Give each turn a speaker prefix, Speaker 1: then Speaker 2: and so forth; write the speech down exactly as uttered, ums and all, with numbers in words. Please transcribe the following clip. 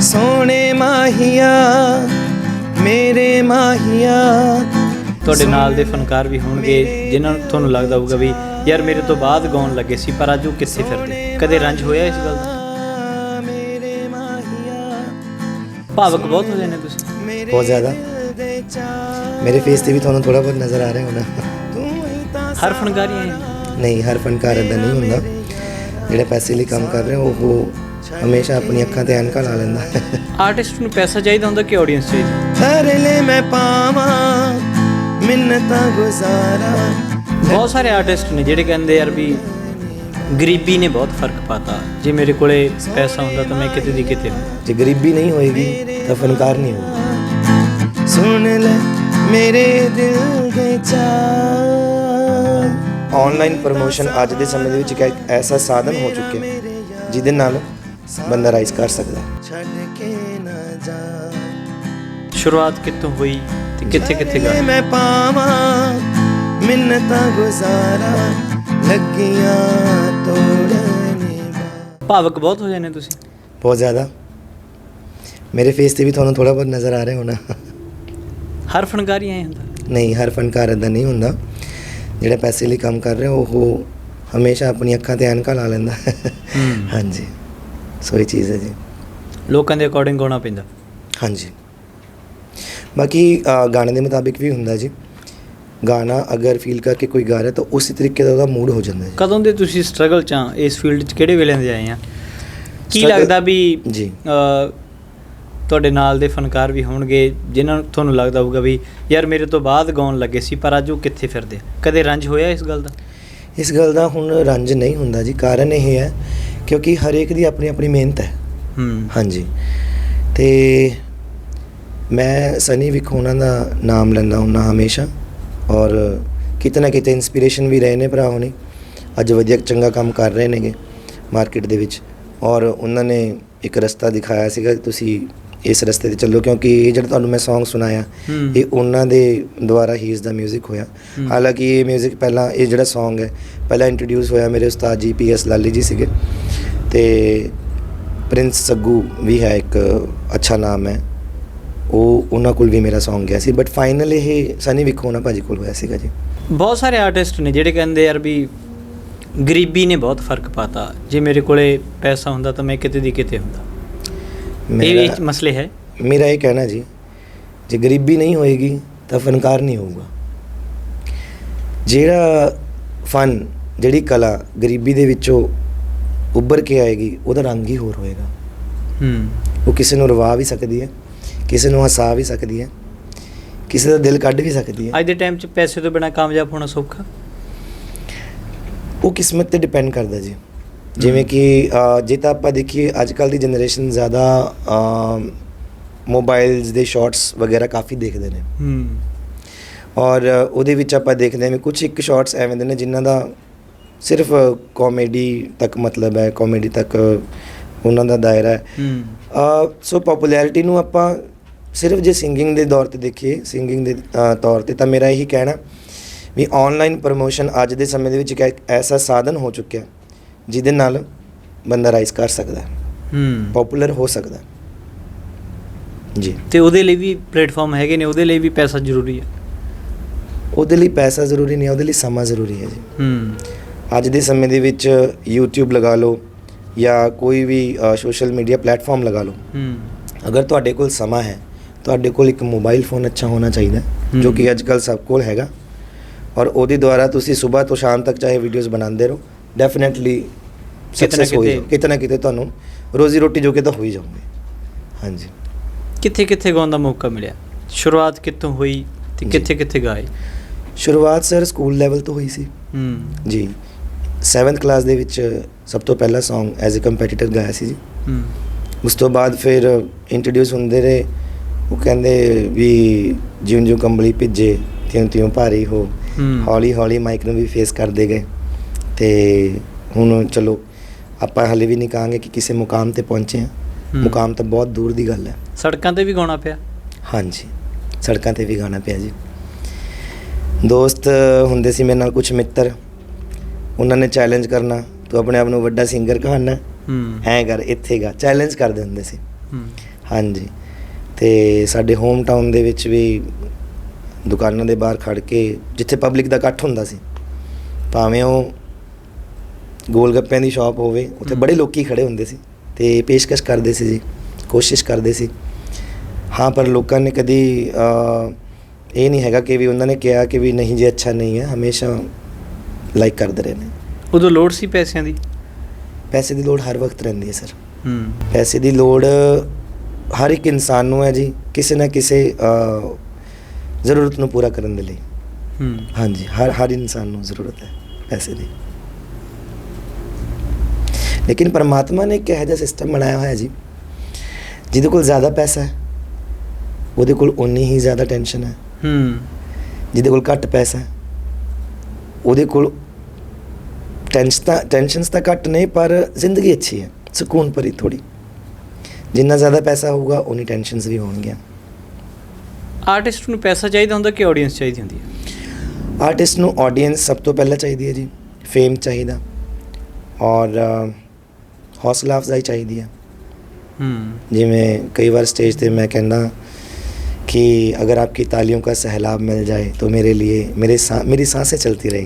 Speaker 1: ਸੋਹਣੇ ਮਾਹੀਆ ਮੇਰੇ ਮਾਹੀਆ।
Speaker 2: ਤੁਹਾਡੇ ਨਾਲ ਦੇ ਫਨਕਾਰ ਵੀ ਹੋਣਗੇ ਜਿਨ੍ਹਾਂ ਨੂੰ ਤੁਹਾਨੂੰ ਲੱਗਦਾ ਹੋਊਗਾ ਵੀ ਯਾਰ ਮੇਰੇ ਤੋਂ ਬਾਅਦ ਗਾਉਣ ਲੱਗੇ ਸੀ ਪਰ ਅੱਜ ਉਹ ਕਿੱਥੇ ਫਿਰਦੇ। ਕਦੇ ਰੰਜ ਹੋਇਆ ਇਸ ਗੱਲ ਦਾ? ਭਾਵਕ ਬਹੁਤ ਹੋ ਜਾਂਦੇ ਤੁਸੀਂ।
Speaker 1: ਬਹੁਤ ਜ਼ਿਆਦਾ। ਮੇਰੇ ਫੇਸ ਤੇ ਵੀ ਤੁਹਾਨੂੰ ਥੋੜਾ ਬਹੁਤ ਨਜ਼ਰ ਆ ਰਿਹਾ ਹੋਣਾ।
Speaker 2: ਹਰ ਫਨਕਾਰੀ ਹੈ
Speaker 1: ਨਹੀਂ, ਹਰ ਫਨਕਾਰ ਇੱਦਾਂ ਨਹੀਂ ਹੁੰਦਾ। ਜਿਹੜਾ ਪੈਸੇ ਲਈ ਕੰਮ ਕਰ ਰਿਹਾ ਉਹ ਹਮੇਸ਼ਾ ਆਪਣੀ ਅੱਖਾਂ ਤੇ ਐਨਕਾਂ ਲਾ ਲੈਂਦਾ।
Speaker 2: ਆਰਟਿਸਟ ਨੂੰ ਪੈਸਾ ਚਾਹੀਦਾ ਹੁੰਦਾ ਕਿ ਆਡੀਅੰਸ ਚਾਹੀਦੀ?
Speaker 1: ਥਰਲੇ ਮੈਂ ਪਾਵਾਂ ਮਿੰਨਤਾਂ ਗੁਜ਼ਾਰਾਂ।
Speaker 2: ਬਹੁਤ ਸਾਰੇ ਆਰਟਿਸਟ ਨੇ ਜਿਹੜੇ ਕਹਿੰਦੇ ਯਾਰ ਵੀ ਗਰੀਬੀ ਨੇ ਬਹੁਤ ਫਰਕ ਪਾਤਾ, ਜੇ ਮੇਰੇ ਕੋਲੇ ਪੈਸਾ ਹੁੰਦਾ ਤਾਂ ਮੈਂ ਕਿਤੇ ਦੀ ਕਿਤੇ ਹੁੰਦਾ।
Speaker 1: ਜੇ ਗਰੀਬੀ ਨਹੀਂ ਹੋਏਗੀ ਤਾਂ ਫਨਕਾਰ ਨਹੀਂ ਹੋਊਗਾ। ਸੁਣ ਲੈ ਮੇਰੇ ਦਿਲ ਦੇ ਚਾਅ। ਆਨਲਾਈਨ ਪ੍ਰਮੋਸ਼ਨ ਅੱਜ ਦੇ ਸਮੇਂ ਦੇ ਵਿੱਚ ਇੱਕ ਐਸਾ ਸਾਧਨ ਹੋ ਚੁੱਕਿਆ ਜਿਹਦੇ ਨਾਲ ਬੰਦਾ ਰਾਈਜ਼ ਕਰ ਸਕਦਾ। ਛੱਡ ਕੇ ਨਾ ਜਾ।
Speaker 2: ਸ਼ੁਰੂਆਤ ਕਿੱਥੋਂ ਹੋਈ ਤੇ ਕਿੱਥੇ ਕਿੱਥੇ ਗਏ?
Speaker 1: ਮੈਂ ਪਾਵਾਂ ਮਿੰਨਤਾਂ ਗੁਜ਼ਾਰਾਂ ਲੱਗੀਆਂ ਤੋੜਨੇ।
Speaker 2: ਭਾਵਕ ਬਹੁਤ ਹੋ ਜਾਂਦੇ ਤੁਸੀਂ।
Speaker 1: ਬਹੁਤ ਜ਼ਿਆਦਾ। ਮੇਰੇ ਫੇਸ ਤੇ ਵੀ ਤੁਹਾਨੂੰ ਥੋੜਾ ਬਹੁਤ ਨਜ਼ਰ ਆ ਰਿਹਾ ਹੋਣਾ।
Speaker 2: ਹਰ ਫਨਕਾਰੀ ਐਂ ਹੁੰਦਾ?
Speaker 1: ਨਹੀਂ, ਹਰ ਫਨਕਾਰ ਇੱਦਾਂ ਨਹੀਂ ਹੁੰਦਾ। ਜਿਹੜਾ ਪੈਸੇ ਲਈ ਕੰਮ ਕਰ ਰਿਹਾ ਉਹ ਹਮੇਸ਼ਾ ਆਪਣੀ ਅੱਖਾਂ ਤੇ ਐਨਕਾਂ ਲਾ ਲੈਂਦਾ। ਹਾਂਜੀ, ਸੋ ਇਹ ਚੀਜ਼ ਹੈ ਜੀ।
Speaker 2: ਲੋਕਾਂ ਦੇ ਅਕੋਰਡਿੰਗ ਗਾਉਣਾ ਪੈਂਦਾ। ਹਾਂਜੀ।
Speaker 1: ਬਾਕੀ ਗਾਣੇ ਦੇ ਮੁਤਾਬਿਕ ਵੀ ਹੁੰਦਾ ਜੀ। ਗਾਣਾ ਅਗਰ ਫੀਲ ਕਰਕੇ ਕੋਈ ਗਾ ਰਿਹਾ ਤਾਂ ਉਸੇ ਤਰੀਕੇ ਦਾ ਉਹਦਾ ਮੂਡ ਹੋ ਜਾਂਦਾ ਹੈ।
Speaker 2: ਕਦੋਂ ਦੇ ਤੁਸੀਂ ਸਟਰਗਲ 'ਚ ਆ ਇਸ ਫੀਲਡ 'ਚ, ਕਿਹੜੇ ਵੇਲੇ ਦੇ ਆਏ ਆ? ਕੀ ਲੱਗਦਾ ਵੀ
Speaker 1: ਜੀ
Speaker 2: ਤੁਹਾਡੇ ਨਾਲ ਦੇ ਫਨਕਾਰ ਵੀ ਹੋਣਗੇ ਜਿਨ੍ਹਾਂ ਨੂੰ ਤੁਹਾਨੂੰ ਲੱਗਦਾ ਹੋਊਗਾ ਵੀ ਯਾਰ ਮੇਰੇ ਤੋਂ ਬਾਅਦ ਗਾਉਣ ਲੱਗੇ ਸੀ ਪਰ ਅੱਜ ਉਹ ਕਿੱਥੇ ਫਿਰਦੇ। ਕਦੇ ਰੰਜ ਹੋਇਆ ਇਸ ਗੱਲ ਦਾ?
Speaker 1: ਇਸ ਗੱਲ ਦਾ ਹੁਣ ਰੰਜ ਨਹੀਂ ਹੁੰਦਾ ਜੀ। ਕਾਰਨ ਇਹ ਹੈ ਕਿਉਂਕਿ ਹਰੇਕ ਦੀ ਆਪਣੀ ਆਪਣੀ ਮਿਹਨਤ ਹੈ। ਹਾਂਜੀ, ਅਤੇ ਮੈਂ ਸਨੀ ਵਿਕ ਉਹਨਾਂ ਦਾ ਨਾਮ ਲੈਂਦਾ ਹੁੰਦਾ ਹਮੇਸ਼ਾ, ਔਰ ਕਿਤੇ ਨਾ ਕਿਤੇ ਇੰਸਪੀਰੇਸ਼ਨ ਵੀ ਰਹੇ ਨੇ ਭਰਾ ਹੋਣੀ। ਅੱਜ ਵਧੀਆ ਚੰਗਾ ਕੰਮ ਕਰ ਰਹੇ ਨੇਗੇ ਮਾਰਕੀਟ ਦੇ ਵਿੱਚ, ਔਰ ਉਹਨਾਂ ਨੇ ਇੱਕ ਰਸਤਾ ਦਿਖਾਇਆ ਸੀਗਾ ਤੁਸੀਂ ਇਸ ਰਸਤੇ 'ਤੇ ਚੱਲੋ। ਕਿਉਂਕਿ ਇਹ ਜਿਹੜਾ ਤੁਹਾਨੂੰ ਮੈਂ ਸੌਂਗ ਸੁਣਾਇਆ ਇਹ ਉਹਨਾਂ ਦੇ ਦੁਆਰਾ ਹੀ ਇਸ ਦਾ ਮਿਊਜ਼ਿਕ ਹੋਇਆ। ਹਾਲਾਂਕਿ ਇਹ ਮਿਊਜ਼ਿਕ ਪਹਿਲਾਂ, ਇਹ ਜਿਹੜਾ ਸੌਂਗ ਹੈ ਪਹਿਲਾਂ ਇੰਟਰੋਡਿਊਸ ਹੋਇਆ ਮੇਰੇ ਉਸਤਾਦ ਜੀ ਪੀ ਐਸ ਲਾਲੀ ਜੀ ਸੀਗੇ, ਅਤੇ ਪ੍ਰਿੰਸ ਸੱਗੂ ਵੀ ਹੈ, ਇੱਕ ਅੱਛਾ ਨਾਮ ਹੈ, ਉਹ ਉਹਨਾਂ ਕੋਲ ਵੀ ਮੇਰਾ ਸੌਂਗ ਗਿਆ ਸੀ। ਬਟ ਫਾਈਨਲ ਇਹ ਸਨੀ ਵਿਕ ਹੋਣਾ ਭਾਜੀ ਕੋਲ ਹੋਇਆ ਸੀਗਾ ਜੀ। ਬਹੁਤ
Speaker 2: ਸਾਰੇ ਆਰਟਿਸਟ ਨੇ ਜਿਹੜੇ ਕਹਿੰਦੇ ਯਾਰ ਵੀ ਗਰੀਬੀ ਨੇ ਬਹੁਤ ਫਰਕ ਪਾਤਾ, ਜੇ ਮੇਰੇ ਕੋਲੇ ਪੈਸਾ ਹੁੰਦਾ ਤਾਂ ਮੈਂ ਕਿਤੇ ਦੀ ਕਿਤੇ ਹੁੰਦਾ। ਇਹ ਮਸਲੇ ਹੈ।
Speaker 1: ਮੇਰਾ ਇਹ ਕਹਿਣਾ ਜੀ, ਜੇ ਗਰੀਬੀ ਨਹੀਂ ਹੋਏਗੀ ਤਾਂ ਫਨਕਾਰ ਨਹੀਂ ਹੋਊਗਾ। ਜਿਹੜਾ ਫਨ, ਜਿਹੜੀ ਕਲਾ ਗਰੀਬੀ ਦੇ ਵਿੱਚੋਂ ਉੱਭਰ ਕੇ ਆਏਗੀ ਉਹਦਾ ਰੰਗ ਹੀ ਹੋਰ ਹੋਏਗਾ। ਉਹ ਕਿਸੇ ਨੂੰ ਰਵਾ ਵੀ ਸਕਦੀ ਹੈ, ਕਿਸੇ ਨੂੰ ਹਸਾ ਵੀ ਸਕਦੀ ਹੈ, ਕਿਸੇ ਦਾ ਦਿਲ ਕੱਢ ਵੀ ਸਕਦੀ ਹੈ।
Speaker 2: ਅੱਜ ਦੇ ਟਾਈਮ 'ਚ ਪੈਸੇ ਤੋਂ ਬਿਨਾਂ ਕਾਮਯਾਬ ਹੋਣਾ ਸੌਖਾ?
Speaker 1: ਉਹ ਕਿਸਮਤ 'ਤੇ ਡਿਪੈਂਡ ਕਰਦਾ ਜੀ। ਜਿਵੇਂ ਕਿ ਜੇ ਤਾਂ ਆਪਾਂ ਦੇਖੀਏ ਅੱਜ ਕੱਲ੍ਹ ਦੀ ਜਨਰੇਸ਼ਨ ਜ਼ਿਆਦਾ ਮੋਬਾਈਲਸ ਦੇ ਸ਼ਾਰਟਸ ਵਗੈਰਾ ਕਾਫੀ ਦੇਖਦੇ ਨੇ, ਔਰ ਉਹਦੇ ਵਿੱਚ ਆਪਾਂ ਦੇਖਦੇ ਹਾਂ ਵੀ ਕੁਛ ਇੱਕ ਸ਼ਾਰਟਸ ਐਵੇਂ ਦੇ ਨੇ ਜਿਨ੍ਹਾਂ ਦਾ ਸਿਰਫ ਕਾਮੇਡੀ ਤੱਕ ਮਤਲਬ ਹੈ, ਕਾਮੇਡੀ ਤੱਕ ਉਹਨਾਂ ਦਾ ਦਾਇਰਾ ਹੈ। ਸੋ ਪੋਪੂਲੈਰਿਟੀ ਨੂੰ ਆਪਾਂ ਸਿਰਫ ਜੇ ਸਿੰਗਿੰਗ ਦੇ ਦੌਰ 'ਤੇ ਦੇਖੀਏ, ਸਿੰਗਿੰਗ ਦੇ ਤੌਰ 'ਤੇ, ਤਾਂ ਮੇਰਾ ਇਹੀ ਕਹਿਣਾ ਵੀ ਆਨਲਾਈਨ ਪ੍ਰਮੋਸ਼ਨ ਅੱਜ ਦੇ ਸਮੇਂ ਦੇ ਵਿੱਚ ਇੱਕ ਐਸਾ ਸਾਧਨ ਹੋ ਚੁੱਕਿਆ ਜਿਹਦੇ ਨਾਲ ਬੰਦਾ ਰਾਈਜ਼ ਕਰ ਸਕਦਾ, ਪੋਪੂਲਰ ਹੋ ਸਕਦਾ ਜੀ।
Speaker 2: ਅਤੇ ਉਹਦੇ ਲਈ ਵੀ ਪਲੇਟਫਾਰਮ ਹੈਗੇ ਨੇ, ਉਹਦੇ ਲਈ ਵੀ ਪੈਸਾ ਜ਼ਰੂਰੀ ਹੈ?
Speaker 1: ਉਹਦੇ ਲਈ ਪੈਸਾ ਜ਼ਰੂਰੀ ਨਹੀਂ, ਉਹਦੇ ਲਈ ਸਮਾਂ ਜ਼ਰੂਰੀ ਹੈ ਜੀ। ਅੱਜ ਦੇ ਸਮੇਂ ਦੇ ਵਿੱਚ ਯੂਟਿਊਬ ਲਗਾ ਲਓ ਜਾਂ ਕੋਈ ਵੀ ਸੋਸ਼ਲ ਮੀਡੀਆ ਪਲੇਟਫਾਰਮ ਲਗਾ ਲਓ, ਅਗਰ ਤੁਹਾਡੇ ਕੋਲ ਸਮਾਂ ਹੈ, ਤੁਹਾਡੇ ਕੋਲ ਇੱਕ ਮੋਬਾਈਲ ਫੋਨ ਅੱਛਾ ਹੋਣਾ ਚਾਹੀਦਾ, ਜੋ ਕਿ ਅੱਜ ਕੱਲ੍ਹ ਸਭ ਕੋਲ ਹੈਗਾ, ਔਰ ਉਹਦੇ ਦੁਆਰਾ ਤੁਸੀਂ ਸਵੇਰ ਤੋਂ ਸ਼ਾਮ ਤੱਕ ਚਾਹੇ ਵੀਡੀਓਜ਼ ਬਣਾਉਂਦੇ ਰਹੋ, ਡੈਫੀਨੇਟਲੀ ਸਕਸੈਸ ਹੋ ਜਾਓ। ਕਿਤੇ ਨਾ ਕਿਤੇ ਤੁਹਾਨੂੰ ਰੋਜ਼ੀ ਰੋਟੀ ਜੋ ਕਿ ਤਾਂ ਹੋ ਹੀ ਜਾਊਗੀ। ਹਾਂਜੀ।
Speaker 2: ਕਿੱਥੇ ਕਿੱਥੇ ਗਾਉਣ ਦਾ ਮੌਕਾ ਮਿਲਿਆ? ਸ਼ੁਰੂਆਤ ਕਿੱਥੋਂ ਹੋਈ ਅਤੇ ਕਿੱਥੇ ਕਿੱਥੇ ਗਾਏ?
Speaker 1: ਸ਼ੁਰੂਆਤ ਸਰ ਸਕੂਲ ਲੈਵਲ ਤੋਂ ਹੋਈ ਸੀ ਜੀ। ਸੈਵਨਥ ਕਲਾਸ ਦੇ ਵਿੱਚ ਸਭ ਤੋਂ ਪਹਿਲਾ ਸੌਂਗ ਐਜ਼ ਏ ਕੰਪੀਟੀਟਰ ਗਾਇਆ ਸੀ ਜੀ। ਉਸ ਤੋਂ ਬਾਅਦ ਫਿਰ ਇੰਟਰੋਡਿਊਸ ਹੁੰਦੇ ਰਹੇ, ਉਹ ਕਹਿੰਦੇ ਵੀ ਜਿਉਂ ਜਿਉਂ ਕੰਬਲੀ ਭਿੱਜੇ ਤਿਉਂ ਤਿਉਂ ਭਾਰੀ ਹੋ, ਹੌਲੀ ਹੌਲੀ ਮਾਈਕ ਨੂੰ ਵੀ ਫੇਸ ਕਰਦੇ ਗਏ, ਅਤੇ ਹੁਣ ਚਲੋ ਆਪਾਂ ਹਾਲੇ ਵੀ ਨਹੀਂ ਕਹਾਂਗੇ ਕਿ ਕਿਸੇ ਮੁਕਾਮ 'ਤੇ ਪਹੁੰਚੇ ਹਾਂ, ਮੁਕਾਮ ਤਾਂ ਬਹੁਤ ਦੂਰ ਦੀ ਗੱਲ ਹੈ।
Speaker 2: ਸੜਕਾਂ 'ਤੇ ਵੀ ਗਾਉਣਾ ਪਿਆ?
Speaker 1: ਹਾਂਜੀ, ਸੜਕਾਂ 'ਤੇ ਵੀ ਗਾਉਣਾ ਪਿਆ ਜੀ। ਦੋਸਤ ਹੁੰਦੇ ਸੀ ਮੇਰੇ ਨਾਲ, ਕੁਛ ਮਿੱਤਰ, ਉਹਨਾਂ ਨੇ ਚੈਲੰਜ ਕਰਨਾ, ਤੂੰ ਆਪਣੇ ਆਪ ਨੂੰ ਵੱਡਾ ਸਿੰਗਰ ਕਹਾਣਾ, ਐਂ ਕਰ, ਇੱਥੇ ਗਾ, ਚੈਲੰਜ ਕਰਦੇ ਹੁੰਦੇ ਸੀ।
Speaker 2: ਹੂੰ
Speaker 1: ਹਾਂਜੀ। ਤੇ ਸਾਡੇ ਹੋਮ ਟਾਊਨ ਦੇ ਵਿੱਚ ਵੀ ਦੁਕਾਨਾਂ ਦੇ ਬਾਹਰ ਖੜ ਕੇ, ਜਿੱਥੇ ਪਬਲਿਕ ਦਾ ਇਕੱਠ ਹੁੰਦਾ ਸੀ, ਭਾਵੇਂ ਉਹ ਗੋਲ ਗੱਪਿਆਂ ਦੀ ਸ਼ਾਪ ਹੋਵੇ, ਉੱਥੇ ਬੜੇ ਲੋਕੀ ਖੜੇ ਹੁੰਦੇ ਸੀ ਤੇ ਪੇਸ਼ਕਸ਼ ਕਰਦੇ ਸੀ ਜੀ, ਕੋਸ਼ਿਸ਼ ਕਰਦੇ ਸੀ। ਹਾਂ, ਪਰ ਲੋਕਾਂ ਨੇ ਕਦੀ ਅ, ਇਹ ਨਹੀਂ ਹੈਗਾ ਕਿ ਵੀ ਉਹਨਾਂ ਨੇ ਕਿਹਾ ਕਿ ਵੀ ਨਹੀਂ ਜੀ ਅੱਛਾ ਨਹੀਂ ਹੈ, ਹਮੇਸ਼ਾ ਲਾਈਕ ਕਰਦੇ ਰਹੇ ਨੇ।
Speaker 2: ਉਦੋਂ ਲੋੜ ਸੀ ਪੈਸਿਆਂ ਦੀ?
Speaker 1: ਪੈਸੇ ਦੀ ਲੋੜ ਹਰ ਵਕਤ ਰਹਿੰਦੀ ਹੈ ਸਰ।
Speaker 2: ਹੂੰ
Speaker 1: ਪੈਸੇ ਦੀ ਲੋੜ ਹਰ ਇੱਕ ਇਨਸਾਨ ਨੂੰ ਹੈ ਜੀ, ਕਿਸੇ ਨਾ ਕਿਸੇ ਅ, ਜ਼ਰੂਰਤ ਨੂੰ ਪੂਰਾ ਕਰਨ ਦੇ ਲਈ।
Speaker 2: ਹੂੰ
Speaker 1: ਹਾਂਜੀ, ਹਰ ਹਰ ਇਨਸਾਨ ਨੂੰ ਜ਼ਰੂਰਤ ਹੈ ਪੈਸੇ ਦੀ। ਲੇਕਿਨ ਪਰਮਾਤਮਾ ਨੇ ਇੱਕ ਇਹੋ ਜਿਹਾ ਸਿਸਟਮ ਬਣਾਇਆ ਹੋਇਆ ਜੀ, ਜਿਹਦੇ ਕੋਲ ਜ਼ਿਆਦਾ ਪੈਸਾ ਹੈ ਉਹਦੇ ਕੋਲ ਓਨੀ ਹੀ ਜ਼ਿਆਦਾ ਟੈਨਸ਼ਨ ਹੈ।
Speaker 2: ਹੂੰ
Speaker 1: ਜਿਹਦੇ ਕੋਲ ਘੱਟ ਪੈਸਾ ਹੈ ਉਹਦੇ ਕੋਲ ਟੈਂਸ਼ਨ ਤਾਂ ਟੈਨਸ਼ਨਸ ਤਾਂ ਘੱਟ ਨੇ, ਪਰ ਜ਼ਿੰਦਗੀ ਅੱਛੀ ਹੈ, ਸਕੂਨ ਭਰੀ ਥੋੜ੍ਹੀ। ਜਿੰਨਾ ਜ਼ਿਆਦਾ ਪੈਸਾ ਹੋਊਗਾ ਉਨੀ ਟੈਨਸ਼ਨਸ ਵੀ ਹੋਣਗੀਆਂ।
Speaker 2: ਆਰਟਿਸਟ ਨੂੰ ਪੈਸਾ ਚਾਹੀਦਾ ਹੁੰਦਾ ਕਿ ਆਡੀਅנס ਚਾਹੀਦੀ ਹੁੰਦੀ ਹੈ?
Speaker 1: ਆਰਟਿਸਟ ਨੂੰ ਆਡੀਅנס ਸਭ ਤੋਂ ਪਹਿਲਾਂ ਚਾਹੀਦੀ ਹੈ ਜੀ, ਫੇਮ ਚਾਹੀਦਾ, ਔਰ ਹੌਸਲਾ ਅਫਜ਼ਾਈ ਚਾਹੀਦੀ ਹੈ।
Speaker 2: ਹੂੰ
Speaker 1: ਜਿਵੇਂ ਕਈ ਵਾਰ ਸਟੇਜ 'ਤੇ ਮੈਂ ਕਹਿੰਦਾ कि अगर आपकी तालियों का सहलाब मिल जाए तो मेरे लिए मेरे सा मेरी सांसें चलती रहेंगी।